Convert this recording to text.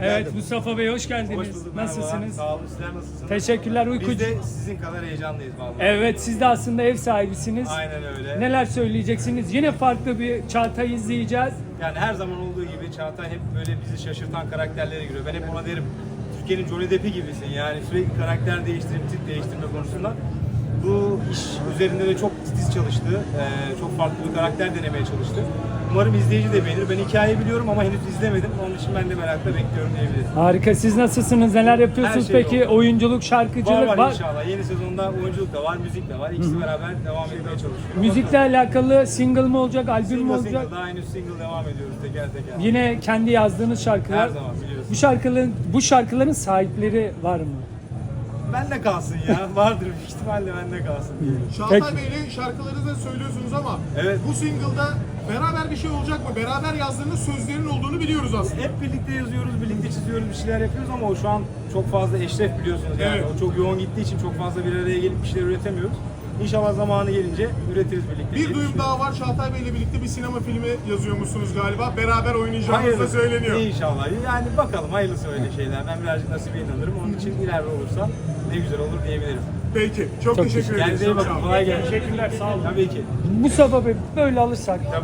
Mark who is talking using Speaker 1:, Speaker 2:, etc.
Speaker 1: Evet Mustafa Bey hoş geldiniz.
Speaker 2: Hoş bulduk, merhabalar.
Speaker 1: Nasılsınız?
Speaker 2: Sağ olun, sizler nasılsınız?
Speaker 1: Teşekkürler
Speaker 2: Biz
Speaker 1: uykucu.
Speaker 2: de sizin kadar heyecanlıyız vallahi.
Speaker 1: Evet siz de aslında ev sahibisiniz.
Speaker 2: Aynen öyle.
Speaker 1: Neler söyleyeceksiniz? Yine farklı bir Çağatay izleyeceğiz.
Speaker 2: Yani her zaman olduğu gibi Çağatay hep böyle bizi şaşırtan karakterlere giriyor. Ben hep ona derim, Türkiye'nin Johnny Depp'i gibisin yani sürekli karakter değiştirip tip değiştirme konusunda. Bu iş üzerinde de çok titiz çalıştı. Çok farklı bir karakter denemeye çalıştı. Umarım izleyici de beğenir. Ben hikayeyi biliyorum ama henüz izlemedim. Onun için ben de merakla bekliyorum diyebilirim.
Speaker 1: Harika. Siz nasılsınız? Neler yapıyorsunuz
Speaker 2: Her şey
Speaker 1: peki?
Speaker 2: yolunda.
Speaker 1: Oyunculuk, şarkıcılık
Speaker 2: Var inşallah. Yeni sezonda oyunculuk da var, müzik de var. İkisi beraber devam etmeye çalışıyoruz.
Speaker 1: Müzikle alakalı single mı olacak, albüm mü olacak?
Speaker 2: Single, daha henüz single devam ediyoruz teker teker.
Speaker 1: Yine kendi yazdığınız şarkılar.
Speaker 2: Her zaman biliyorsun.
Speaker 1: Bu şarkıların sahipleri var mı?
Speaker 2: Bende kalsın ya. Vardır büyük ihtimalle bende kalsın diyelim.
Speaker 3: Çağatay
Speaker 1: Peki.
Speaker 3: Bey'le şarkıları da söylüyorsunuz ama
Speaker 2: Evet.
Speaker 3: bu single'da beraber bir şey olacak mı? Beraber yazdığınız sözlerin olduğunu biliyoruz aslında.
Speaker 2: Hep birlikte yazıyoruz, birlikte çiziyoruz, bir şeyler yapıyoruz ama o şu an çok fazla Eşref biliyorsunuz yani.
Speaker 3: Evet.
Speaker 2: O çok yoğun gittiği için çok fazla bir araya gelip bir şeyler üretemiyoruz. İnşallah zamanı gelince üretiriz birlikte. diye
Speaker 3: Bir duyum
Speaker 2: düşünüyorum.
Speaker 3: daha var. Çağatay Bey'le birlikte bir sinema filmi yazıyormuşsunuz galiba. Beraber oynayacağınız da
Speaker 2: Hayırlısı.
Speaker 3: söyleniyor.
Speaker 2: İnşallah. Yani bakalım hayırlısı öyle şeyler. Ben birazcık nasibe inanırım. Onun için ileride olursa ne güzel olur diyebilirim.
Speaker 3: Peki. Çok teşekkür ederiz.
Speaker 2: Kendinize iyi bakın.
Speaker 3: Çok sağ olun.
Speaker 2: Kolay gelsin.
Speaker 1: Teşekkürler, sağ olun.
Speaker 2: Tabii ki.
Speaker 1: Mustafa Bey böyle alırsak